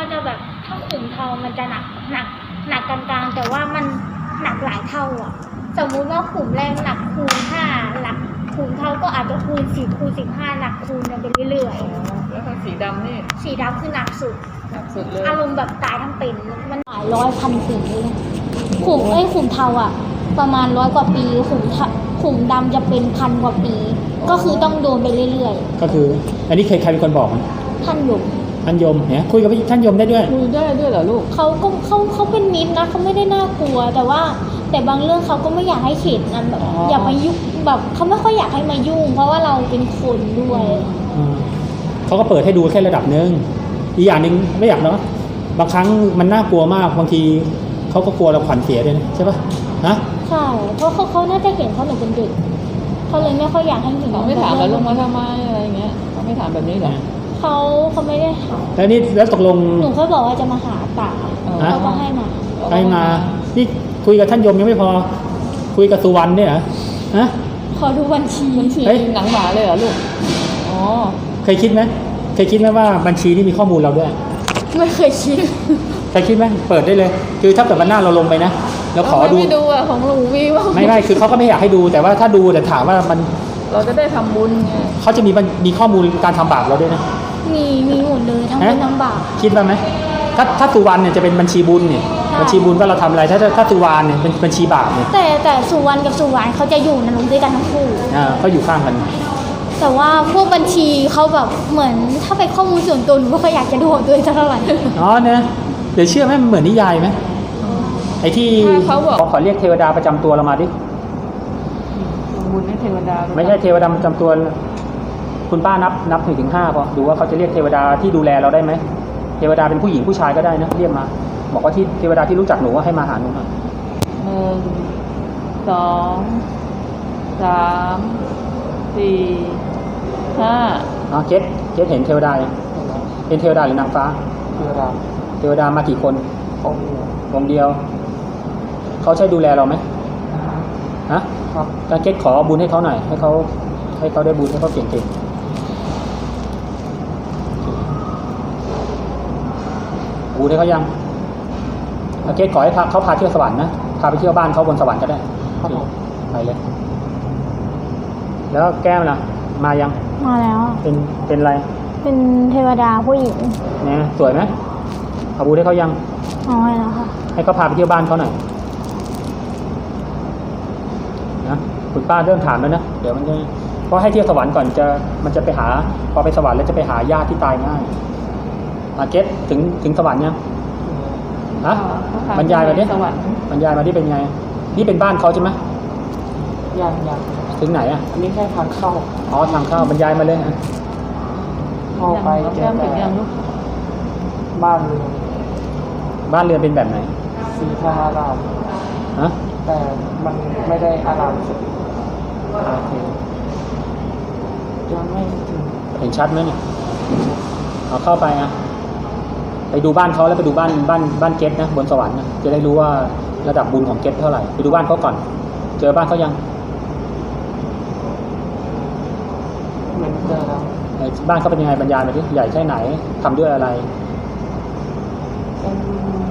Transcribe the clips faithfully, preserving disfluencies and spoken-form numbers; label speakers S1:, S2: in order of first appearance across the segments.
S1: จะแบบถ้าขุมทองมันจะหนักหนักหนักกลางๆแต่ว่ามันหนักหลายเท่าอ่ะสมมุติว่าขุมแรกหนักคูณห้าหลักขุมเท่าก็อาจจะคูณสิบคูณสิบห้าหนักคูณกันไปเรื่อย
S2: ๆแล้วถ้าสีดำนี่
S1: สีดำคือหนักสุด
S2: หนักสุดเลย
S1: อารมณ์แบบตายทั้งเป็นมันหลายร้อยพันขุมเลยขุมเอ้ยขุมเทาอ่ะประมาณร้อยกว่าปีขุมขุมดำจะเป็นพันกว่าปีก็คือต้องโดนไปเรื่อย
S3: ๆก็คืออันนี้ใครใครเป็นคนบอก
S1: ท่านยม
S3: ท่านยมเนี่ยคุยกับท่านยมได้ด้วย
S2: คุยได้ด้วยเหรอลูก
S1: เขาก็เขาเขาเป็นมิตรนะเขาไม่ได้น่ากลัวแต่ว่าแต่บางเรื่องเขาก็ไม่อยากให้เข็ดนะแบบอย่ามายุ่งแบบเขาไม่ค่อยอยากให้มายุ่งเพราะว่าเราเป็นคนด้วย
S3: เขาก็เปิดให้ดูแค่ระดับนึงอีกอย่างหนึ่งไม่อยากเนาะบางครั้งมันน่ากลัวมากบางทีเขาก็กลัวเราขวัญเสียด้วยนะใช่ปะฮะ
S1: ใช่เพราะเขาเขาน่าจะเห็นเขาหนูเป็นเด็กเขาเลยไม่ค่อยอยากให้เห็น
S2: เขาไม่ถามว่าลงมาทำไมอะไรเงี้ยเขาไม่ถามแบบนี้หรอ
S1: เขาเขาไม่ได้ถาม
S3: แล้วนี่แล้วตกลง
S1: หนูเขาบอกว่าจะมาหาป่าเขาก็ให้มา
S3: ให้มานี่คุยกับท่านยมยังไม่พอคุยกับสุวรรณเนี่ยเหรอฮะ
S1: ขอดูบัญชี
S2: บัญชีหนังหมาเลยเหรอลูกอ๋อ
S3: เคยคิดไหมเคยคิดไหมว่าบัญชีนี่มีข้อมูลเราด้วย
S1: ไม่เคยคิด
S3: เคยคิดไหมเปิดได้เลยคือถ้าเกิดวันหน้าเราลงไปนะแล้วขอดู
S2: ไม่ดูอ่ะของหนูมีว่า
S3: ไม่ไม่คือเขาก็ไม่อยากให้ดูแต่ว่าถ้าดูแต่ถามว่ามัน
S2: เราจะได้ทำบุญไง
S3: เขาจะมีมีข้อมูลการทำบาปเราด้วยนะ
S1: มีมีหมดเลยทั้งบุญทั้งบาป
S3: คิดว่าไหมถ้าถ้าสุวรรณเนี่ยจะเป็นบัญชีบุญเนี่ยบัญชีบุญว่าเราทำอะไรถ้าถ้าสุวรรณเนี่ยเป็นบัญชีบาปเนี่ย
S1: แต่แต่สุวรรณกับสุวรรณเขาจะอยู่ในโรงด้วยกันทั้งคู่
S3: อ่าเขาอยู่ข้างกัน
S1: แต่ว่าพวกบัญชีเขาแบบเหมือนถ้าเป็นข้อมูลส่วนตัวหนูก็อยากจะดูของตัวเองเท่าไหร่
S3: อ๋อเนี่ยเดี๋ยวเชื่อไหมเหมือนนิยายไหมไอ้ที่
S2: เขาบอก
S3: ขอเรียกเทวดาประจำตัวเรามาดิ
S2: บุญให้เทวดา
S3: ไม่ใช่เทวดาประจำตัวคุณป้านับนับถึงถึงห้าพอดูว่าเขาจะเรียกเทวดาที่ดูแลเราได้ไหมเทวดาเป็นผู้หญิงผู้ชายก็ได้นะเรียกมาบอกว่าที่เทวดาที่รู้จักหนูว่าให้มาหาหนูหน่อย
S2: หนึ่งสองสามสี่ห้า
S3: อ๋อเกตเกตเห็นเทวดาเป็นเทวดาหรือนางฟ้า
S2: เทวดา
S3: เทวดามากี่คน
S2: องค์เดียว
S3: องค์เดียวเขาใช้ดูแลเราไหมฮะครับการเกตขอบุญให้เขาหน่อยให้เขาให้เขาได้บุญให้เขาเก่งๆบุญให้เขายังการเกตขอให้เขาพาเที่ยวสวรรค์นะพาไปเที่ยวบ้านเขาบนสวรรค์ก็ได้ไปเลยแล้วแก้มล่ะมายัง
S1: มาแล้ว
S3: เป็นเป็นอะไร
S1: เป็นเทวดาผู้หญิง
S3: เนี่ยสวยไหมขอบุญให้เขายัง
S1: อ๋อแล้วค่ะ
S3: ให้เขาพาไปเที่ยวบ้านเขาหน่อยนะคุณป้าเริ่มถามแล้วนะเดี๋ยวมันจะเพราะให้เที่ยวสวรรค์ก่อนจะมันจะไปหาพอไปสวรรค์แล้วจะไปหาญาติที่ตายง่ายมาเก็ตถึงถึงสวรรค์ยังฮะบรรยายมาดิบรรยายมาดิเป็นไงนี่เป็นบ้านเขาใช่ไหม
S2: ยังยัง
S3: ถึงไหนอ่ะ
S2: อันนี้แค่ทางเข้า
S3: อ๋อทางเข้าบรรยายมาเลยนะ
S2: เข้าไปเจอแต่บ้านเรือน
S3: บ้านเรือนเป็นแบบไหน
S2: สีทองอาราม
S3: ฮะ
S2: แต่มันไม่ได้อารามสุดโอเคยังไม่ถึง
S3: เห็นชัดไหมเนี่ยเอาเข้าไปอ่ะไปดูบ้านเขาแล้วไปดูบ้านบ้านบ้านเกตนะบนสวรรค์นะจะได้รู้ว่าระดับบุญของเกตเท่าไหร่ไปดูบ้านเขาก่อนเจอบ้านเขายัง
S2: เหมือนเจอแล้ว
S3: บ้านเขาเป็นยังไงบรรยายมาดิใหญ่แค่ไหนทำด้วยอะไร
S2: เป็น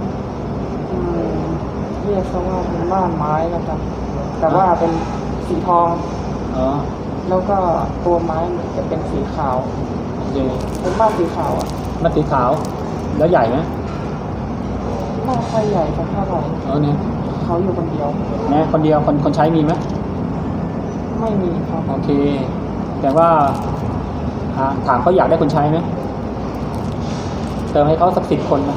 S2: เรียกว่าเป็นบ้านไม้นะครับแต่ว่าเป็นสีทอง
S3: อ๋อ
S2: แล้วก็ตัวไม้จะเป็นสีขาวเป็นบ้านสีขาวอ่ะ
S3: บ้านสีขาวแล้วใหญ่ไหม
S2: ไม่ค่อยใหญ่สักเท่าไหร่
S3: เออเนี่ย
S2: เขาอยู่คนเดียว
S3: นะคนเดียวคนคนใช้มีไหม
S2: ไม่มีครับ
S3: โอเคแต่ว่าถามเขาอยากได้คนใช้ไหมเติมให้เขาสักสิบคนนะ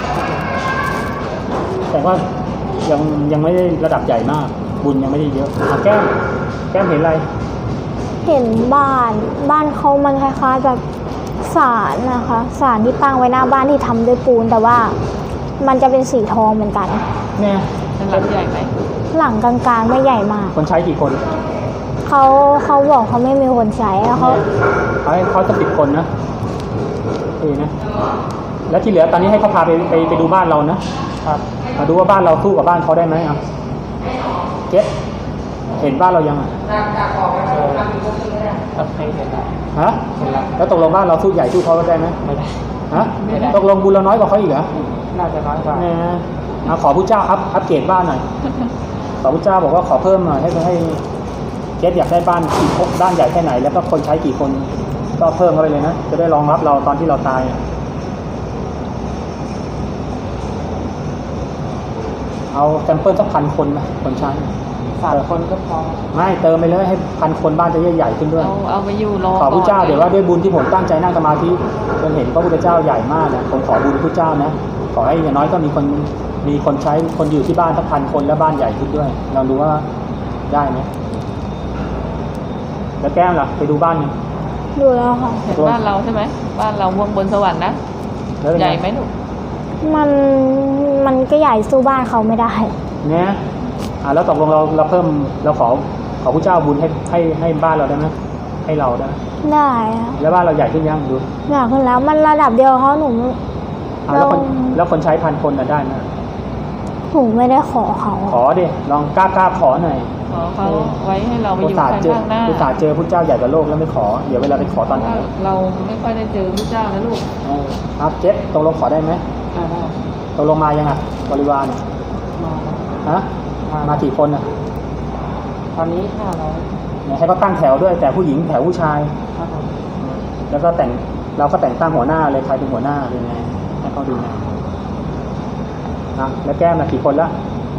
S3: แต่ว่ายังยังไม่ได้ระดับใหญ่มากบุญยังไม่ได้เยอะแก้มแก้มเห็นอะไร
S1: เห็นบ้านบ้านเขามันคล้ายๆแบบศาลนะคะศาลที่ตั้งไว้หน้าบ้านที่ทำด้วยปูนแต่ว่ามันจะเป็นสีทองเหมือนกัน
S3: เนี่ย
S2: หลังใหญ่ไหม
S1: หลังกลางๆไม่ใหญ่มาก
S3: คนใช้กี่คน
S1: เขาเขาบอกเขาไม่มีคนใช้แล้วเขา
S3: เขาให้เขาจะสิบคนนะเออนะแล้วที่เหลือตอนนี้ให้เขาพาไปไปไปดูบ้านเรานะครับมาดูว่าบ้านเราสู้กับบ้านเขาได้ไหมอ่ะเจ๊เห็นบ้านเรายังอ่ะ
S2: โอเคเห็นแล้ว
S3: ฮะแล้วตกลงบ้านเราสู้ใหญ่สู้เขาได้ไหม
S2: ไม่ได้
S3: ฮะตกลงบุญเราน้อยกว่าเขาอีกเหรอ
S2: น่าจะน้อยกว่า
S3: เนี่ยเอาขอผู้เจ้าอัพอัพเกรดบ้านหน่อยขอผู้เจ้าบอกว่าขอเพิ่มหน่อยให้ให้เกสอยากได้บ้านกี่บ้านใหญ่แค่ไหนแล้วก็คนใช้กี่คนก็เพิ่มเข้าไปเลยนะจะได้รองรับเราตอนที่เราตายเอาแซมเปิลสักพันคนไหมคนใช้
S2: สามคนก็พอ
S3: ไม่เติมไปเลยให้พันคนบ้านจะใหญ่ๆขึ้นด้วย
S4: เอาเอาไปอยู่รอ
S3: ขอพระเจ้า
S4: ก่น
S3: เดี๋ยวว่าด้วยบุญที่ผมตั้งใจนั่งสมาธิจนเห็นพระพุทธเจ้าใหญ่มากนะผมขอบุญพระเจ้านะขอให้อย่างน้อยก็มีคนมีคนใช้คนอยู่ที่บ้านสักพันคนและบ้านใหญ่ขึ้นด้วยลองดูว่าได้ไหมแล้วแก้มล่ะไปดูบ้านยัง
S1: ดูแล้วค่ะ
S4: เห็นบ้านเราใช่ไหมบ้านเราวงบนสวรรค์นะ
S3: แล้วเป็น
S4: ให
S3: ไง
S4: ญ่ไหมลูก
S1: มันมันก็ใหญ่สู้บ้านเขาไม่ได้
S3: เนี่ยอ่าแล้วตกลงเราเราเพิ่มเราขอขอพระเจ้าบุญให้ให้ให้บ้านเราได้ไหมให้เราได้ไหม
S1: ได้อะ
S3: แล้วบ้านเราใหญ่ขึ้นยังดู
S1: อยากขึ้นแล้วมันระดับเดียวเขาหนู
S3: อ่าแล้วคน
S1: เรา
S3: แล้วคนใช้พันคนน่ะได้ไหม
S1: หนูไม่ได้ขอเขา
S3: ขอดิลองกล้ากล้าขอหน่อย
S4: ขอเขาไว้ให้เราไป
S3: อุ
S4: อ
S3: ต
S4: ยู่
S3: ส่าห์
S4: ข้าง
S3: เจอ
S4: หน้า
S3: อุตส่าห์เจอพระเจ้าใหญ่กว่าโลกแล้วไม่ขอ เดี๋ยวเวลาไปขอตอนไหน
S4: เราไม่ค่อยได้เจอพระเจ้านะลูก
S3: เออครับเจ็ดตกลงขอได้ไหม
S2: ได้ได้
S3: ตกลงมายังอ่ะบริวาร
S2: มา
S3: ฮะมากี่คนอ่ะ
S2: ตอนนี้ห้าร้อย
S3: เนี่ยให้เขาตั้งแถวด้วย แต่ผู้หญิงแถวผู้ชาย
S2: ครับผม
S3: แล้วก็แต่งเราก็แต่งตั้งหัวหน้าเลยใครเป็นหัวหน้าเป็นไงให้เขาดูนะนะแล้วแก้มมากี่คนละ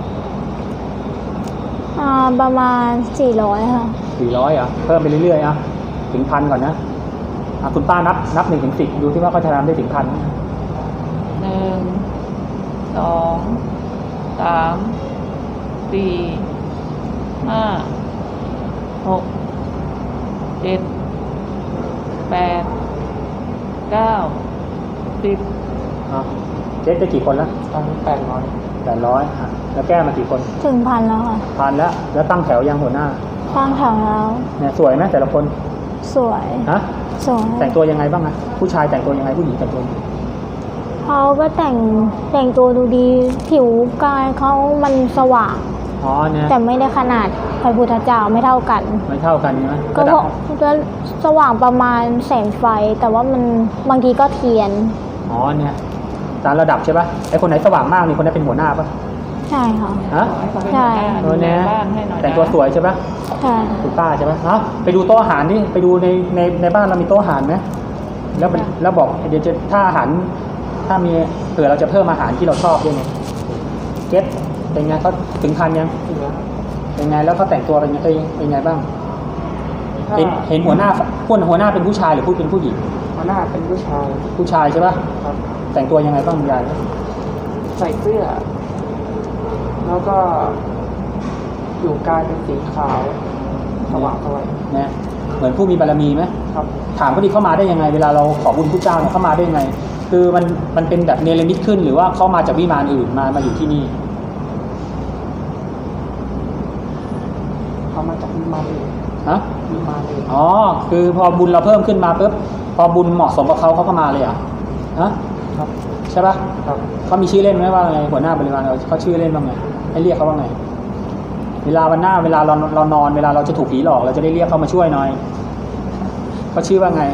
S1: อ่าประมาณสี่ร้อยค่ะ
S3: สี่ร้อยอ่ะเพิ่มไปเรื่อยๆอ่ะถึงพันก่อนนะอ่ะคุณป้านับนับหนึ่งถึงสิบดูที่ว่าเขาจะทำได้ถึงพัน
S4: หนึ่งสองสามสี่ห้าหกเจ็ดแปดเก้าสิบ
S3: อ่ะเจ็ดได้กี่คนละ
S2: ตอนนี้แปดร้อย
S3: แปดร้อยอ่ะแล้วแก้มากี่คน
S1: ถึงพันแล้วค่ะ
S3: พันแล้วแล้วตั้งแถวยังหัวหน้า
S1: ตั้งแถวแล้ว
S3: เนี่ยสวยไหมแต่ละคน
S1: สวย
S3: ฮะ
S1: สวย
S3: แต่งตัวยังไงบ้างอะผู้ชายแต่งตัวยังไงผู้หญิงแต่งตัวยังไง
S1: เขาก็แต่งแต่งตัวดูดีผิวกายเขามันสว่าง
S3: อ๋อเนี่ย
S1: แต่ไม่ได้ขนาดพระพุทธเจ้าไม่เท่ากัน
S3: ไม่เท่ากันใช่ไหม
S1: ก็
S3: ระ
S1: เพ
S3: ดับ
S1: ราะก็สว่างประมาณแสงไฟ แต่ว่ามันบางทีก็เทียน
S3: อ๋อเนี่ยตามระดับใช่ปะไอคนไหนสว่างมากนี่คนนั้นเป็นหัวหน้าปะ
S1: ใช่ค่ะ
S3: ฮะ
S4: ให้เขาเป็น
S1: ใช่
S4: หัวหน้า
S3: เออเนี่ย
S4: ดูแลบ้านให้หน่อยนะ
S3: แต่งตัวสวยใช่ปะ
S1: ใช่
S3: คุณป้าใช่ปะเนาะไปดูโต๊ะอาหารนี่ไปดูในในในบ้านเรามีโต๊ะอาหารไหมแล้วมันแล้วบอกเดี๋ยวจะถ้าอาหารถ้ามีเผื่อเราจะเพิ่มอาหารที่เราชอบด้วยไงเก็ตเป็นไงเขาถึงพันยัง
S2: ถึงแล้ว
S3: เป็นไงแล้วเขาแต่งตัวเป็นไงเอ้ยเป็นไงบ้าง
S2: ถ้า
S3: เห็นเห็นหัวหน้าผู้หัวหน้าเป็นผู้ชายหรือผู้เป็นผู้หญิง
S2: หัวหน้าเป็นผู้ชาย
S3: ผู้ชายใช่ปะ
S2: ครับ
S3: แต่งตัวยังไงบ้างยาย
S2: ใส่เสื้อ แล้วก็อยู่กายเป็นสีขาวสว่างสวย
S3: นะเหมือนผู้มีบารมีไหม
S2: ครับ
S3: ถามเขาดิเข้ามาได้ยังไง เวลาเราขอบุญพระเจ้าเนี่ยเข้ามาได้ยังไง คือมันมันเป็นแบบเนรมิตขึ้นหรือว่าเขามาจากวิมานอื่นมามาอยู่ที่นี่
S2: เขามาจากวิมานอื่น
S3: ฮะ
S2: วิมานอื่น
S3: อ๋อคือพอบุญเราเพิ่มขึ้นมาปุ๊บพอบุญเหมาะสมกับเขาเขาก็มาเลยเหรอ่ะฮะ
S2: ครับ
S3: ใช่ปะ
S2: ครับ
S3: เขามีชื่อเล่นไหมว่าไงหัวหน้าบริวารเราเขาชื่อเล่นว่าไงให้เรียกเขาว่าไง เวลาวันหน้าเวลาเราเรานอนเวลาเราจะถูกผีหลอกเราจะได้เรียกเขามาช่วยหน่อยเขาชื่อว่าไง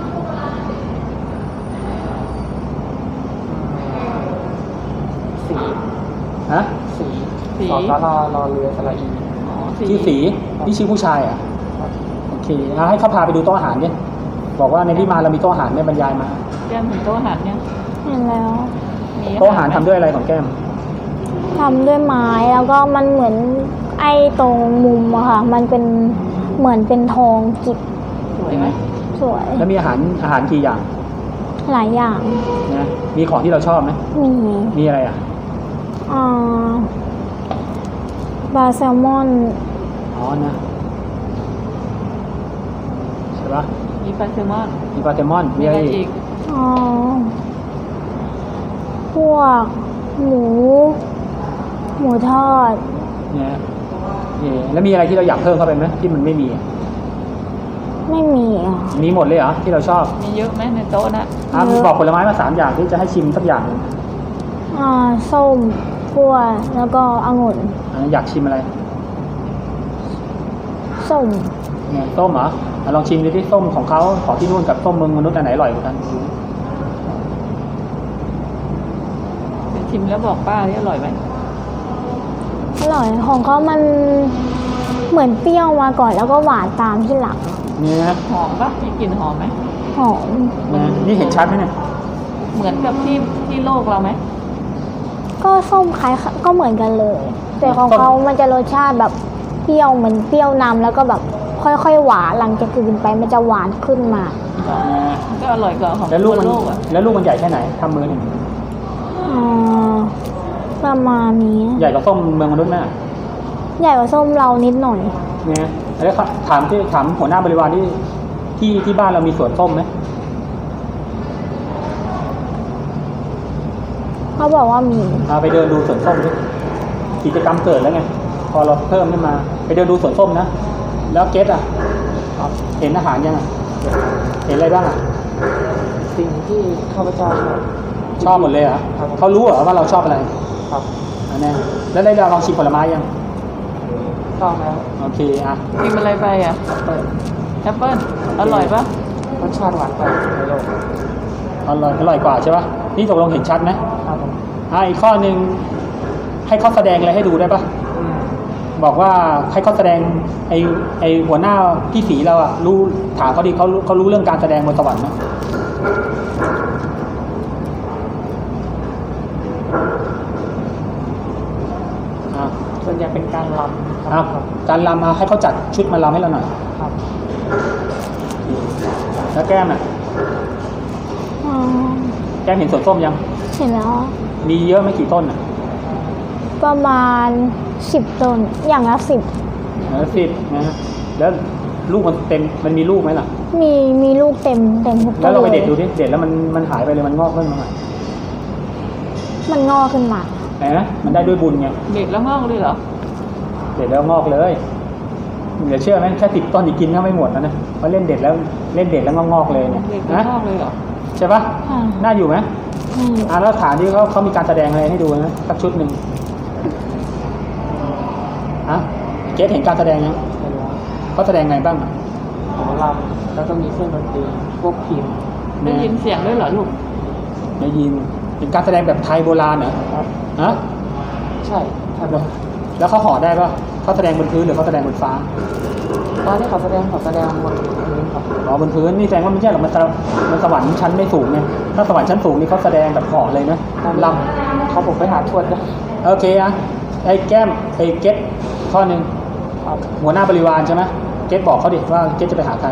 S2: สี
S3: ฮะ
S2: สี
S4: สี
S2: สอสารารอเรือสระอี
S4: อ๋อ
S3: ชื่อสีนี่ชื่อผู้ชายอ่ะ
S2: ครับ
S3: โอเคอ่ะให้เขาพาไปดูโต๊ะอาหารดิบอกว่าในวิมานเรามีโต๊ะอาหารไม่บรรยายมา
S4: แก้มถึงโต๊ะอาหารเนี่ย
S1: เห็นแล้ว
S4: มี
S3: โต๊ะอาหารทำด้วยอะไรของแก้ม
S1: ทำด้วยไม้แล้วก็มันเหมือนไอ้ตรงมุมอะค่ะ มันเป็นเหมือนเป็นทองจิบ
S4: สวยไหม
S1: สวย
S3: แล้วมีอาหารอาหารกี่อย่าง
S1: หลายอย่าง
S3: นะมีของที่เราชอบไหม
S1: มี
S3: มีอะไรอ่ะ
S1: อ่าปลาแซลมอน
S3: อ๋อนะใช่ปะ
S4: มีปลาแซลมอน
S3: มีปลาแซลมอนมี
S4: มี
S3: อะ
S4: อะไร ไร
S3: อี
S4: อี
S3: ก
S4: ก
S1: อ๋อพวกหมู หมูทอด
S3: เนี่ยนี่แล้วมีอะไรที่เราอยากเพิ่มเข้าไปไหมที่มันไม่มีอ่ะ
S1: ไม่มีอ่ะ
S3: มีหมดเลยเหรอที่เราชอบ
S4: มีเยอะไหมในโต๊ะนะ
S3: อ่ะบอกผลไม้มาสามอย่างที่จะให้ชิมสักอย่างหนึ่ง
S1: อ่าส้มกล้วยแล้วก็องุ่น
S3: อันนั้นอยากชิมอะไร
S1: ส้ม
S3: เนี่ยส้มเหรออ่ะลองชิมดูที่ส้มของเขาของที่นู่นกับส้มเมืองมนุษย์อันไหนอร่อยกว่ากัน
S4: ชิมแล้วบอกป้าที่อร่อยไหม
S1: อร่อยของเขามันเหมือนเปรี้ยวมาก่อนแล้วก็หวานตามที่หลัง
S3: เนี่ยนะ
S4: หอมปะมีกลิ่นหอมไหม
S1: หอม
S3: เนี่ยนี่เห็นชัดไหมเนี่ย
S4: เหมือนกับที่ที่โลกเราไหม
S1: ก็ส้มคล้ายก็เหมือนกันเลย แต่ของเขามันจะรสชาติแบบเปรี้ยวเหมือนเปรี้ยวนำแล้วก็แบบค่อยๆหวานหลังจากกลืนไปมันจะหวานขึ้นมา
S4: ก็อร่อยกว่าของ
S3: แล้วลูกมัน
S4: โลกอ่ะ
S3: แล้วลูกมันใหญ่แค่ไหนทำมือหนึ่ง
S1: อ่าประมาณนี้
S3: ใหญ่กว่าส้มเมืองมนุษย์ไหม
S1: ใหญ่กว่าส้มเรานิดหน่อย
S3: เนี่ยแล้วถามที่ถามหัวหน้าบริวารที่ที่ที่บ้านเรามีสวนส้มไหม
S1: เขาบอกว่ามี
S3: เอาไปเดินดูสวนส้มดิกิจกรรมเกิดแล้วไงพอเราเพิ่มขึ้นมา ไปเดินดูสวนส้มนะแล้วเกตอ่ะเห็นอาหารยังอ่ะเห็นอะไรบ้างอ่ะ
S2: สิ่งที่ข้าพเจ้าชอบ
S3: ชอบหมดเลยเหรอ
S2: ครับ
S3: เขารู้เหรอว่าเราชอบอะไร
S2: ครับ
S3: อันนี้แล้วได้ลองชิมผลไม้ยัง
S2: ต้องแล้ว
S3: โอเคอ่ะ
S4: กินอะไรไปอ่ะ
S2: เปิด
S4: แอปเปิ้ลอร่อยปะ
S2: รสชาติหวานกว่าในโลก
S3: อร่อยอร่อยกว่าใช่ปะนี่ตกลงเห็นชัดไหม
S2: ครับผม
S3: อ่ะอีกข้อหนึ่งให้เขาแสดงอะไรให้ดูได้ปะ
S2: อืม
S3: บอกว่าให้เขาแสดงไอไอหัวหน้าพี่สีเราอะรู้ถามเขาดิเขารู้เขารู้เรื่องการแสดงบนสวรรค์ไหมอ่ะ
S2: ส่วนใหญ่เป็นการรำค
S3: อ่ะ
S2: รับ
S3: การรำมาให้เขาจัดชุดมารำให้เราหน่อย
S2: ครับ
S3: แล้วแก้มอะ
S1: อ๋อ
S3: แก้มเห็นสวนส้มยัง
S1: เห็นแล้ว
S3: มีเยอะไหม่กี่ต้นอะ
S1: ประมาณสิบต้นอย่างละสิบ
S3: แล้วสิบนะฮะแล้วลูกมันเต็มมันมีลูกไหมล่ะ
S1: มีมีลูกเต็มเต็มทุกต้น
S3: แล้วเราไปเด็ดดู
S1: เลย
S3: ดิเด็ดแล้วมันมันหายไปเลยมันงอกขึ้นมาใหม่
S1: มันงอกขึ้นมา
S3: เห็นไหมมันได้ด้วยบุญไง
S4: เด็ดแล้วงอกเลยเหรอ
S3: เด็ดแล้วงอกเลยเหลือเชื่อไหมแค่ติดต้นอีกกินก็ไม่หมดแล้วนะเพราะเล่นเด็ดแล้วเล่นเด็ดแล้วก็งอกเลยเนี่ย
S4: เด็ดแล้ว
S3: นะ
S4: งอกเลยเหรอ
S3: ใช่ปะ
S1: อ่า
S3: น่าอยู่ไหม
S1: ไม่อยู่
S3: อ่าแล้วฐานที่เขาเขามีการแสดงอะไรให้ดูนะสักชุดหนึ่งอ่ะเกสเห็นการแสดงยัง
S2: เห็นแล้ว
S3: เขาแสดงไงบ้างอ่ะ
S2: หมอลำแล้วก็มีเครื่องดนตรีพวกพิมพ์
S4: ได้ยินเสียงด้วยเหรอลูก
S3: ได้ยินเป็นการแสดงแบบไทยโบราณเหรอ
S2: ครับ
S3: ฮะ
S2: ใช่ถ้าแบบ
S3: แล้วเขาห่อได้ปะเขาแสดงบนพื้นหรือเขาแสดงบนฟ้า
S2: ตอนที่เขาแสดงเขาแสดงบนพื้นครับ
S3: อ๋อบนพื้นนี่แสดงว่าไม่ใช่หรอกมันสมันสวรรค์ชั้นไม่สูงไงถ้าสวรรค์ชั้นสูงนี่เขาแสดงแบบห่อเลยนะลำ
S2: เขาผมไปหาทวดนะ
S3: โอเคอ่ะไอ้แก้มไอ้เก็ตข้อหนึ่ง
S2: ครับ
S3: หัวหน้าบริวารใช่ไหมเก็ตบอกเขาดิว่าเก็ตจะไปหาใคร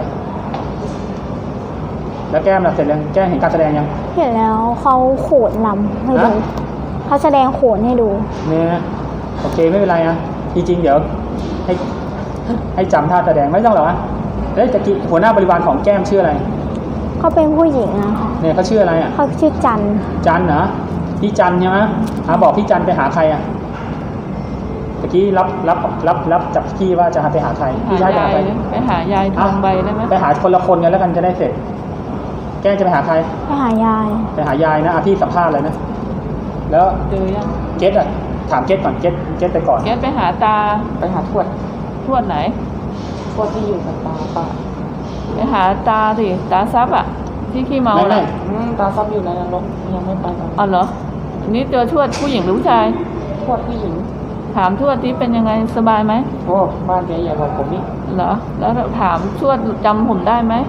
S3: แล้วแก้มล่ะเสร็จแล้วแก้มเห็นการแสดงยัง
S1: เห็นแล้วเขาโขนลำให้ดู
S3: ฮะ
S1: เขาแสดงโขนให้ดู
S3: เนี่ยโอเคไม่เป็นไรนะจริงๆเดี๋ยวให้ให้จำท่าแสดงไม่ต้องหรอกนะเอ้ยตะกี้หัวหน้าบริวารของแก้มชื่ออะไร
S1: เขาเป็นผู้หญิงนะคะ
S3: เนี่ยเขาชื่ออะไรอ่ะ
S1: เขาชื่อจันทร์
S3: จันเหรอพี่จันใช่ไหมอ่ะบอกพี่จันไปหาใครอ่ะตะกี้รับรับรับรับจากพี่ว่าจะหาไปหาใคร
S4: หา
S3: พี่ชายจะ
S4: ยา
S3: หาย ใคร
S4: ไปหายายทองใบได้ไหม
S3: ไปหาคนละคนกันแล้วกันจะได้เสร็จ แก้มจะไปหาใคร
S1: ไปหายาย
S3: ไปหายายนะอ่ะพี่สัมภาษณ์เลยนะ แล้ว
S4: เจอยัง
S3: เกตอ่ะถามเกตก่อนเกตเกตไปก่อน
S4: แกไปหาตา
S2: ไปหาทวด
S4: ทวดไหน
S2: ทวดที่อยู่กับตาป้า
S4: ไปหาตาสิตาซับอ่ะ ที่ขี้เมา
S3: ไม่ไม่
S4: น่ะ
S2: อืมตาซับอยู่ในนรกยังไม่ไปกัน
S4: อ๋อเหรออันนี้เจอทวดผู้หญิงหรือผู้ชาย
S2: ทวดผู้หญิง
S4: ถามทวดที่เป็นยังไงสบายไหม
S2: โอ้บ้านแกใหญ่กว่าผมนี่
S4: เหรอ แล้วถามทวดจำผมได้ไหม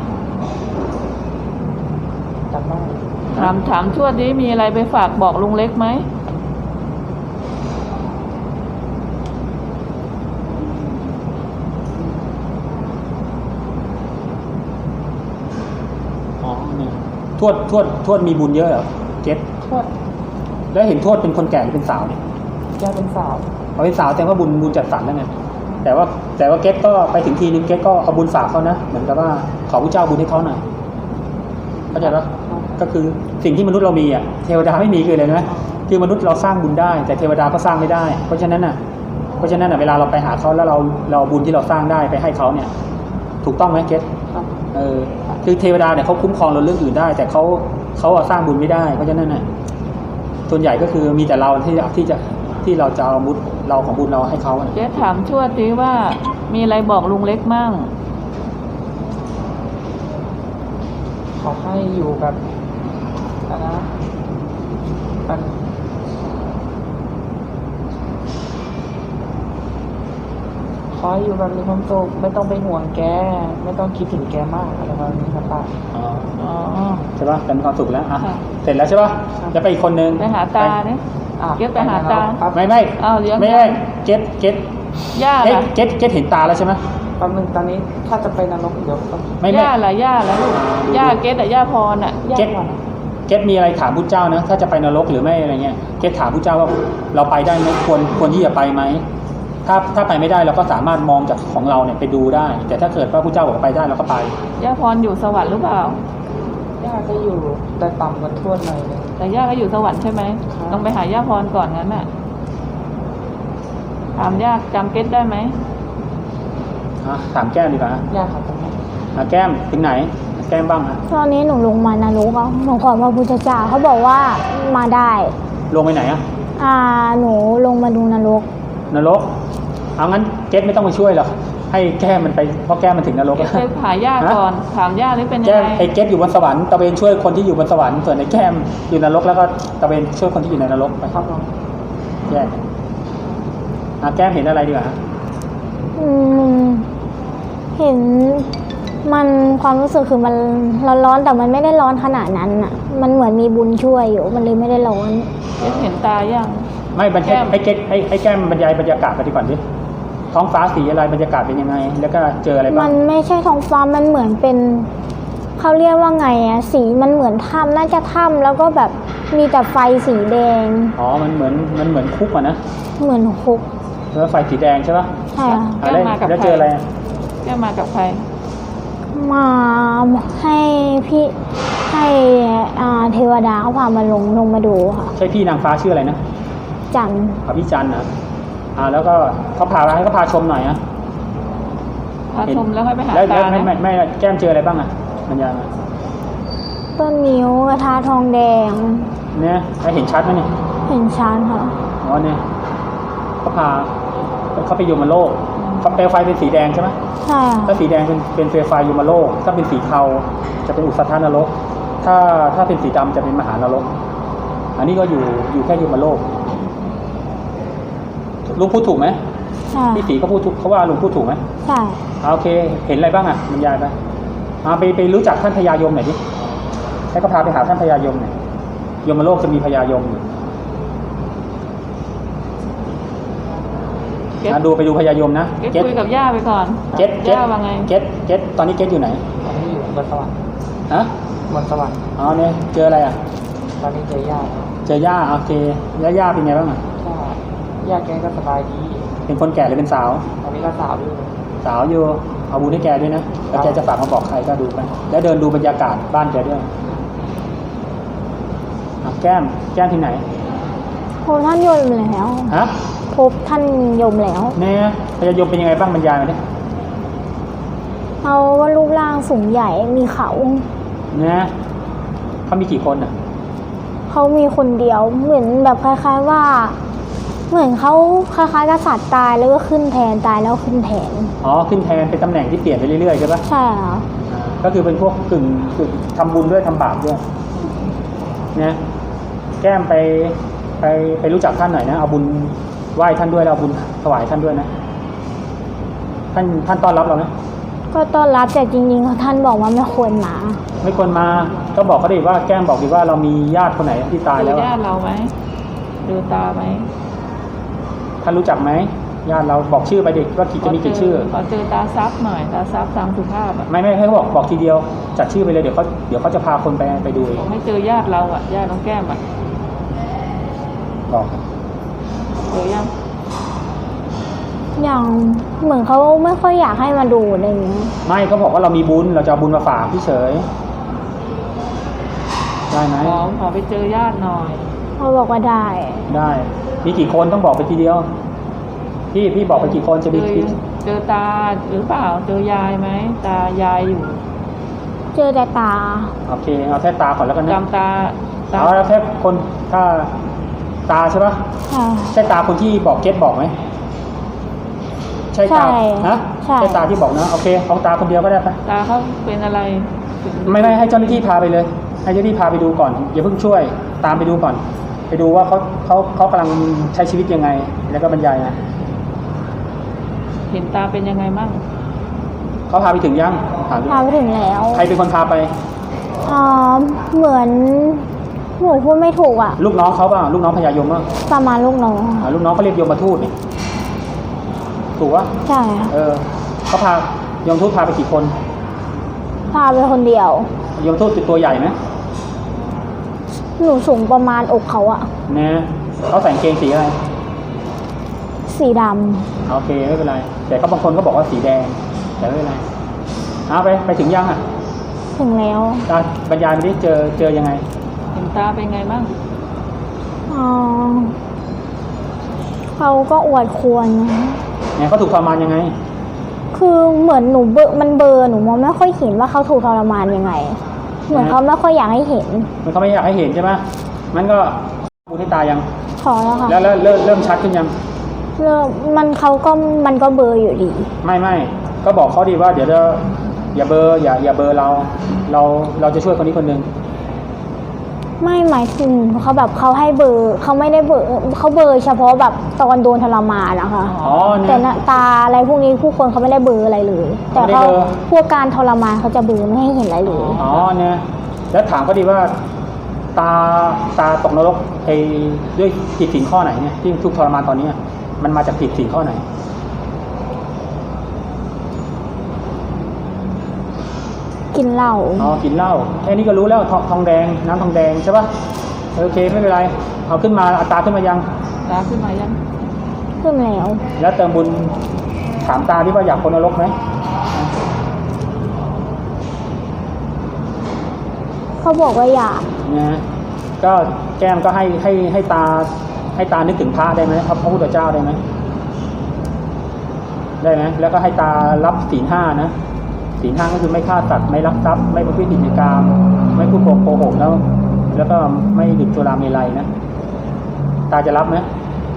S2: จำได้
S4: ถามถามทวดนี้มีอะไรไปฝากบอกลุงเล็กไหม
S3: อ๋อเนี่ยทวดทวดทวดมีบุญเยอะเหรอเกต
S2: ทวด
S3: แล้วเห็นทวดเป็นคนแก่หรือเป็นสาวเนี่ย
S2: แกเป็นสาว
S3: เอาเป็นสาวแสดงว่าบุญบุญจัดสรรแล้วไงแต่ว่าแต่ว่าเกตก็ไปถึงทีนึงเกตก็เอาบุญฝากเขานะเหมือนกับว่าขอพระเจ้าบุญให้เขาหน่อยเข้าใจปะก็คือสิ่งที่มนุษย์เรามีอ่ะเทวดาไม่มีคืออะไรนะคือมนุษย์เราสร้างบุญได้ แต่เทวดาก็สร้างไม่ได้ เพราะฉะนั้นอ่ะเพราะฉะนั้นอ่ะเวลาเราไปหาเขาแล้วเราเราเอาบุญที่เราสร้างได้ไปให้เขาเนี่ย ถูกต้องไหมเกต
S2: ครับ
S3: เออคือเทวดาเนี่ยเขาคุ้มครองเราเรื่องอื่นได้ แต่เขาเขาอะสร้างบุญไม่ได้ เพราะฉะนั้นน่ะส่วนใหญ่ก็คือมีแต่เราที่ที่จะที่เราจะเอาบุญเราของบุญเราให้เขาอะ
S4: เจ๊ถามทวดดิว่ามีอะไรบอกลุงเล็กมั่ง
S2: ขอให้อยู่กับอะไรนะกันให้อยู่แบบมีความสุขไม่ต้องไปห่วงแก ไม่ต้องคิดถึงแกมากอะไรประมาณนี้ครับป้า
S3: อ๋อ
S4: อ๋อ
S3: ใช่ป่ะเป็นความสุขแล้วอ่ะ
S4: ค่ะ
S3: เสร็จแล้วใช่ป่ะ
S2: ครับ
S3: จะไปอีกคนนึง
S4: ไปหาตาเนี่ย
S2: อ่ะ
S4: เก็บไปหาตา
S2: ครับ
S3: ไม่ไม่
S4: อ้าวเลี้ยง
S3: ไม่ไม่เก็ตเก็ต
S4: ย่า
S3: เก็ต
S4: ล่ะ
S3: เก็ตเก็ตเห็นตาแล้วใช่ไหม
S2: แป๊บนึงตอนนี้ถ้าจะไปนรกเดี๋ยวต้อง
S3: ไม่ไม่
S4: ย่าล่ะย่าล่ะลูกย่าเกตอะย่าพรอะย่า
S3: เก็ต
S4: พรอะ
S3: เก็ตมีอะไรถามพุทธเจ้านะถ้าจะไปนรกหรือไม่อะไรเงี้ยเก็ตถามพุทธเจ้าว่าเราไปได้ไหมควรควรที่จะไปไหมถ้าถ้าไปไม่ได้เราก็สามารถมองจากของเราเนี่ยไปดูได้ แต่ถ้าเกิดว่าพุทธเจ้าบอกว่าไปได้เราก็ไป
S4: ย่าพรอยู่สวรรค์หรือเปล่า
S2: ย่าจะอยู่แต่ต่ำกว่าทวดหน่อยเลย
S4: แต่ย่าก็อยู่สวรรค์ใช่ไหม
S2: ครับ
S4: ต้องไปหาย่าพรก่อนงั้นน่ะถามย่าจำเกตได้ไหม
S3: อ่ะถามแก้มดีกว่า
S2: ย่าครับตรงนี้
S3: อ่ะแก้มถึงไหนแก้มบ้างอ่ะ
S1: ตอนนี้หนูลงมานรกอ่ะหนูขอพระพุทธเจ้าเขาบอกว่ามาได้
S3: ลงไปไหนอ่ะ
S1: อ่าหนูลงมาดูนรก
S3: นรกเอางั้นเก็ตไม่ต้องมาช่วยหรอกให้แก้มมันไปเพราะแก้มมันถึงนรก
S4: เกต
S3: แล้ว
S4: ไปหาย่าก่อนถามย่านี่เป็นยั
S3: แก้
S4: ง
S3: ม
S4: ไง
S3: ไอ้เก็ตอยู่บนสวรรค์ตะเวนช่วยคนที่อยู่บนสวรรค์ส่วนไอ้แก้มอยู่นรกแล้วก็ตะเวนช่วยคนที่อยู่ในนรกไป
S2: ครับผม
S3: แยกอ่ะแก้มเห็นอะไรดีกว่า
S1: อืมเห็นมันความรู้สึกคือมันร้อนๆแต่มันไม่ได้ร้อนขนาดนั้นอ่ะ มันเหมือนมีบุญช่วยอยู่ มันเลยไม่ได้ร้อน
S4: เกตเห็นตาย่าง
S3: ไม่บรร
S4: แก้
S3: ยาย
S4: ม
S3: ให้เก็ตให้ให้แก้มบรรยายบรรยากาศไปดีก่อนดิท้องฟ้าสีอะไรบรรยากาศเป็นยังไง แล้วก็เจออะไร
S1: มั
S3: บ้าง
S1: นไม่ใช่ท้องฟ้ามันเหมือนเป็นเขาเรียกว่าไงอะสีมันเหมือนถ้ำน่าจะถ้ำแล้วก็แบบมีแต่ไฟสีแดง
S3: อ๋อมันเหมือนมันเหมือนคุกอ่ะนะ
S1: เหมือนคุก
S3: แล้วไฟสีแดงใช่ปะ
S1: ใช่ค่ะ
S3: อ่ะแล้วแล้วเจออะไรอ่ะ
S4: ย่ามากับใคร
S1: มาให้พี่ให้อ่าเทวดาเขาพามาลงลงมาดูค่ะ
S3: ใช่พี่นางฟ้าชื่ออะไรนะ
S1: จันทร์
S3: พระพี่จันทร์นะอ่าแล้วก็เขาพาให้เขาพาชมหน่อยนะ
S4: พาชมแล้วค่อยไปหา
S3: แล้ว
S4: ตา
S3: แล้วไม่ไม่
S4: นะ
S3: ไม่แก้มเจออะไรบ้างอ่ะบรรยายมา
S1: ต้นนิ้วกระทาทองแดง
S3: เนี่ยแล้วเห็นชัดไหมเนี่ย
S1: เห็นชันค่ะ
S3: อ๋อเนี่ยเขาพาเขาไปยมโลกเขาเปลวไฟเป็นสีแดงใช่ไหม
S1: ใช่ค่ะ
S3: ถ้าสีแดงเป็นเป็นเปลวไฟยมโลก ถ้าเป็นสีเทาจะเป็นอุสธานรก ถ้าถ้าเป็นสีดำจะเป็นมหานรก อันนี้ก็อยู่อยู่แค่ยมโลกลุงพูดถูกไหม
S1: ใช่
S3: พี่สีก็พูดถูกเขาว่าลุงพูดถูกไหม
S1: ใช่
S3: อ่าโอเค เห็นอะไรบ้างอ่ะบรรยายไปอ่าไปไปรู้จักท่านพญายมหน่อยดิให้เขาพาไปหาท่านพญายมหน่อยยมโลกจะมีพญายมอยู่
S4: เกต
S3: อ่ะดูไปดูพญายมนะ
S4: เกตคุยกับย่าไปก่อน
S3: เก็ตเก็ต
S4: ย่าว่าไง
S3: เก็ตเก็ตตอนนี้เก็ตอยู่ไหน
S2: ตอนนี้อยู่บนสวรรค์
S3: ฮะ
S2: บนสวรรค์
S3: อ๋อเนี่ยเจออะไรอ่ะ
S2: ตอนนี้เจอย่า
S3: เจอย่าโอเคย่าย่าเป็นไงบ้างอ่ะ
S2: ก็ย่าแกก็สบายดี
S3: เป็นคนแก่หรือเป็นสาว
S2: ตอนนี้ก็สาวอยู่
S3: สาวอยู่เอาบุญให้แกด้วยนะแล้วแกจะฝากมาบอกใครก็ดูไปแล้วเดินดูบรรยากาศบ้านแกด้วยอ่ะแก้มแก้มที่ไหน
S1: พบท่านยมแล้ว
S3: ฮะ
S1: พบท่านยมแล้ว
S3: เนี่ยพญายมเป็นยังไงบ้างบรรยายมาดิ
S1: เขาว่ารูปร่างสูงใหญ่มีเขา
S3: เนี่ยเขามีกี่คนอ่ะ
S1: เขามีคนเดียวเหมือนแบบคล้าย ๆว่า เหมือนเขาคล้ายๆกษัตริย์ตายแล้วก็ขึ้นแทนตายแล้วขึ้นแทน
S3: อ๋อขึ้นแทนเป็นตำแหน่งที่เปลี่ยนไปเรื่อยๆใช่ปะ
S1: ใช่ค่ะ
S3: อ่าก็คือเป็นพวกกึ่งกึ่งทำบุญด้วยทำบาปด้วยเนี่ยแก้มไปไปไปรู้จักท่านหน่อยนะเอาบุญไหว้ท่านด้วยแล้วเอาบุญถวายท่านด้วยนะท่านท่านต้อนรับเราไหม
S1: ก็ต้อนรับแต่จริงๆท่านบอกว่าไม่ควรมา
S3: ไม่ควรมาก็บอกเขาดิว่าแก้มบอกดิว่าเรามีญาติคนไหนที่ตาย
S4: ดู
S3: แล้ว
S4: ญา
S3: อะ
S4: ติเราไหมดูตาไหม
S3: ท่านรู้จักไหมญาติเราบอกชื่อไปดิว่ากี่จะมีกี่ชื่อ
S4: ขอเจอตาซับหน่อยตาซับตามสุภาพอ่ะ
S3: ไม่ไม่ให้เขาบอกบอกทีเดียวจัดชื่อไปเลยเดี๋ยวเขาเดี๋ยวเขาจะพาคนไปไปดูเอง
S4: ผมให้เจอญาติเราอ่ะญาติน้องแก้มอ่ะ
S3: บอก
S4: เจอยัง
S1: อย่างเหมือนเขาไม่ค่อยอยากให้มาดูอะไรอย่างเงี้ย
S3: ไม่เขาบอกว่าเรามีบุญเราจะเอาบุญมาฝากพี่เฉยได้ไหม
S4: ขอขอไปเจอญาติหน่อย
S1: เขาบอกว่าได้
S3: ได้มีกี่คนต้องบอกไปทีเดียว พี่พี่บอกไปกี่คนจะ
S4: เจ
S3: มี
S4: อ
S3: กี่
S4: เจอตาหรือเปล่าเจอยายไหมตายายอยู่
S1: เจอแต่ตา
S3: โอเคเอาแค่ตาก่อนแล้วกันนะ
S4: จำตาตา
S3: เอาแล้วแค่คนถ้าตาใช่ปะ
S1: ใช่
S3: ใช่ตาคนที่บอกเก็ตบอกไหมใช่ตา
S1: ใช่
S3: ฮะ
S1: ใช่
S3: ใช่ตาที่บอกนะโอเคเอาตาคนเดียวก็ได้ปะ
S4: ตาเขาเป็นอะไร
S3: ไม่ไม่ให้เจ้าหน้าที่พาไปเลย ให้เจ้าหน้าที่พาไปดูก่อนอย่าเพิ่งช่วยตามไปดูก่อน ไปดูว่าเขาเขาเขากำลังใช้ชีวิตยังไง แล้วก็บรรยายนะ
S4: เห็นตาเป็นยังไงมั่ง
S3: เขาพาไปถึงยังถามดิ
S1: พาไปถึงแล้ว
S3: ใครเป็นคนพาไป
S1: อ๋อเหมือนหนูพูดไม่ถูกอ่ะ
S3: ลูกน้องเขาป่ะลูกน้องพญายมป่ะ
S1: ประมาณลูกน้อง
S3: อ่าลูกน้องเขาเรียกยมทูตนี่ถูกปะ
S1: ใช่ค่ะ
S3: เออเขาพายมทูตพาไปกี่คน
S1: พาไปคนเดียวย
S3: มทูตเป็นตัวใหญ่ไหม
S1: หนูสูงประมาณอกเขาอะ
S3: เนี่ยเขาใส่กางเกงสีอะไร
S1: สีด
S3: โอเคไม่เป็นไรแต่เขาบางคนก็บอกว่าสีแดงแต่ไม่เป็นไรเอาไปไปถึงยังอ่ะ
S1: ำถึงแล้ว
S3: ตาบรรยายไปดิเจอเจอยังไง
S4: เห็นตาเป็นไงมั่ง
S1: อ๋อเขาก็อวดควรนะ
S3: เนี่ยเขาถูกทรมานยังไง
S1: คือเหมือนหนูเบลอมันเบลอร์หนูมองไม่ค่อยเห็นว่าเขาถูกทรมานยังไง เหมือนเขาไม่ค่อยอยากให้เห็น
S3: มันเขาไม่อยากให้เห็นใช่ไหมมันก็พูดให้ตายัง
S1: ขอแล้วค่ะ
S3: แล้วแล้วเริ่มเริ่มชัดขึ้นยัง
S1: เริ่มมันเขาก็มันก็เบลอร์อยู่ดี
S3: ไม่ไม่ก็บอกเขาดีว่าเดี๋ยวจะอย่าเบอร์อย่าอย่าเบอร์เรา เราเราจะช่วยคนนี้คนหนึ่ง
S1: ไม่หมายถึงเขาแบบเขาให้เบลอร์เขาไม่ได้เบลอร์เขาเบลอร์เฉพาะแบบตอนโดนทรมานนะคะ
S3: อ๋อเนี่
S1: แต่
S3: ย
S1: หน้าตาอะไรพวกนี้ผู้คนเขาไม่ได้เบลอร์อะไรเลย แต่
S3: ไม่ได้
S1: เขา
S3: เบลอ
S1: พวกการทรมานเขาจะเบลอร์ไม่ให้เห็นอะไรเลย
S3: อ๋อเนี่ยแล้วถามเขาดีว่า ตาตาตกนรกไอ้ด้วยผิดศีลข้อไหนเนี่ยที่ทุกข์ทรมานตอนนี้มันมาจากผิดศีลข้อไหน
S1: กินเหล้า
S3: อ๋อกินเหล้าแค่นี้ก็รู้แล้วทองทองแดงน้ำทองแดงใช่ปะโอเคไม่เป็นไรเอาขึ้นมาอัตราขึ้นมายัง
S4: ตาขึ้นมายัง
S1: ขึ้นแล้ว
S3: แล้วเติมบุญถามตาที่ว่าอยากพ้นนรกไหม
S1: เขาบอกว่าอยาก
S3: นะก็แก้มก็ให้ให้ให้ตาให้ตานึกถึงพระได้ไหมพระพุทธเจ้าได้ไหมได้ไหมแล้วก็ให้ตารับศีลห้านะศีลห้าก็คือไม่ฆ่าสัตว์ไม่ลักทรัพย์ไม่ประพฤติผิดในกามไม่พูดโกหกแล้ว แล้วก็ไม่ดื่มสุราเมลัยนะตาจะรับไหม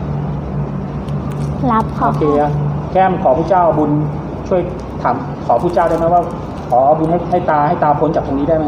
S1: รับค่ะ
S3: โอเคอะแก้มขอพระเจ้าบุญช่วยถามขอพระเจ้าได้ไหมว่า ขอบุญให้ให้ตาให้ตาพ้นจากตรงนี้ได้ไหม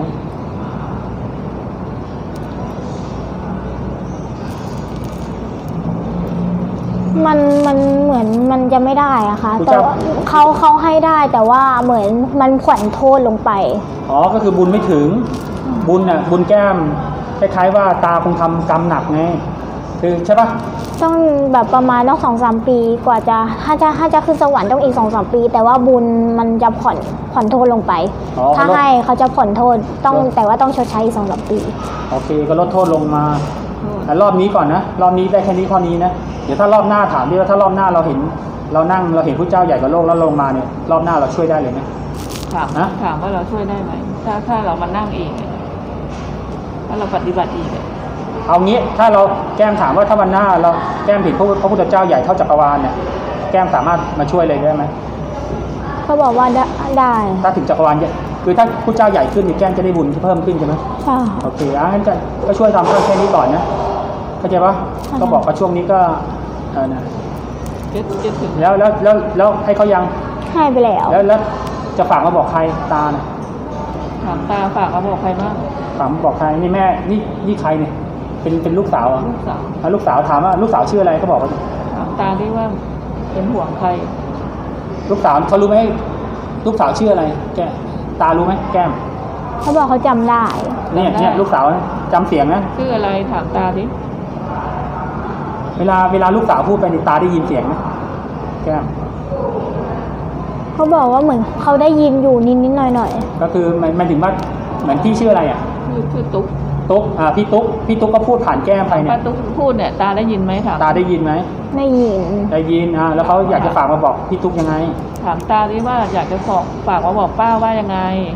S1: มันมันเหมือนมันจะไม่ได้อะค่ะแต่ว่าเขาเขาให้ได้แต่ว่าเหมือนมันผ่อนโทษลงไป
S3: อ๋อก็คือบุญไม่ถึงบุญน่ะบุญแก้มคล้ายๆว่าตาคงทำกรรมหนักไงคือใช่ปะ
S1: ต้องแบบประมาณต้องสองสามปีกว่าจะถ้าจะถ้าจะขึ้นสวรรค์ต้องอีกสองสามปี แต่ว่าบุญมันจะผ่อนผ่อนโทษลงไป
S3: อ๋อ
S1: ถ้า
S3: ก็ลด
S1: ให้เขาจะผ่อนโทษต้อง
S3: ลด
S1: แต่ว่าต้องชดใช้อีกสองสามปี
S3: โอเคก็ลดโทษลงมาแต่รอบนี้ก่อนนะรอบนี้ได้แค่นี้เท่านี้นะเดี๋ยวถ้ารอบหน้าถามดิว่าถ้ารอบหน้าเราเห็นเรานั่งเราเห็นพระเจ้าใหญ่กว่าโลกแล้วลงมาเนี่ยรอบหน้าเราช่วยได้เลยไหม
S4: ถาม
S3: ฮะ
S4: ถามว่าเราช่วยได้ไหมถ้าถ้าเรามานั่งเองอะถ้าเราปฏิบัติเองอะ
S3: เอางี้ถ้าเราแก้มถามว่าถ้าวันหน้าเราแก้มเห็นพระพระพุทธเจ้าใหญ่เท่าจักรวาลเนี่ยแก้มสามารถมาช่วยเลยได้ไหม
S1: เขาบอกว่าได้ได้
S3: ถ้าถึงจักรวาลใหญ่คือถ้าพระเจ้าใหญ่ขึ้นเนี่ยแก้มจะได้บุญที่เพิ่มขึ้นใช่ไหม
S1: ใช่
S3: โอเคอ่ะงั้นจะก็ช่วยทำแค่นี้ก่อนนะเข้าใจปะ
S1: ค่ะ
S3: ก็บอกว่าช่วงนี้ก็เออนะ
S4: เจ็ดเจ็ดถึง
S3: แล้วแล้วแล้วแล้วให้เขายัง
S1: ให้ไปแล้ว
S3: แล้วแล้วจะฝากมาบอกใครตาเนี่ย
S4: ถามตาฝากเขาบอกใครบ้าง
S3: ถามบอกใครนี่แม่นี่นี่ใครเนี่ยเป็นเป็นลูกสาวเหรอ่ะ
S4: ลูกสาว
S3: ลูกสาวถามว่าลูกสาวชื่ออะไรเขาบอกว่า
S4: ถามตาที่ว่าเป็นห่วงใคร
S3: ลูกสาวเขารู้ไหมลูกสาวชื่ออะไร แกตารู้ไหมแก้ม
S1: เขาบอกเขาจำได้
S3: เนี่ยเนี่ยลูกสาวจำเสียงนะ
S4: ชื่ออะไรถามตาดิ
S3: เวลาเวลาลูกสาวพูดไปในตาได้ยินเสียงนะแก้ม
S1: เขาบอกว่าเหมือนเขาได้ยินอยู่นิดนิดๆหน่อยหน่อย
S3: ก็คือมันมันถึงว่าเหมือนพี่ชื่ออะไรอ่ะ
S4: ชื่อชื่อตุ๊ก
S3: ตุ๊กอ่าพี่ตุ๊กพี่ตุ๊กก็พูดผ่านแก้มไปเนี่
S4: ป้าย ตุ๊กพูดเนี่ยตาได้ยินไหมถาม
S3: ตาได้ยินไหม
S1: ๆได้ยิน
S3: ได้ยินอ่าแล้วเขาอยากจะฝากมาบอกพี่ตุ๊กยังไง
S4: ถามตาดิว่าอยากจะฝากฝากมาบอกป้าว่ายังไง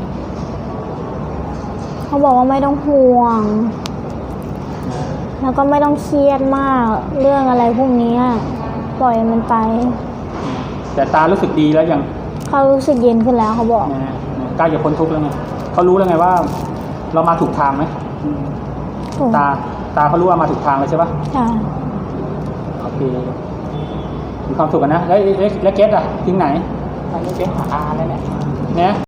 S1: เขาบอกว่าไม่ต้องห่วง แล้วก็ไม่ต้องเครียดมาก เรื่องอะไรพวกนี้ปล่อยมันไป
S3: แต่ตารู้สึกดีแล้วยัง
S1: เขารู้สึกเย็นขึ้นแล้วเขาบอก
S3: นะฮะใกล้จะพ้นทุกข์แล้วไงเขารู้แล้วไงว่า เรามาถูกทางไหม
S1: ถูก
S3: ตาตาเขารู้ว่ามาถูกทางเลยใช่ปะ
S1: ใช่
S3: โอเคมีความสุขกันนะแล้วแล้วแล้วเกสอะถึงไหน
S4: ไปไปหาอาแล้วเนี่ย
S3: เนี่ย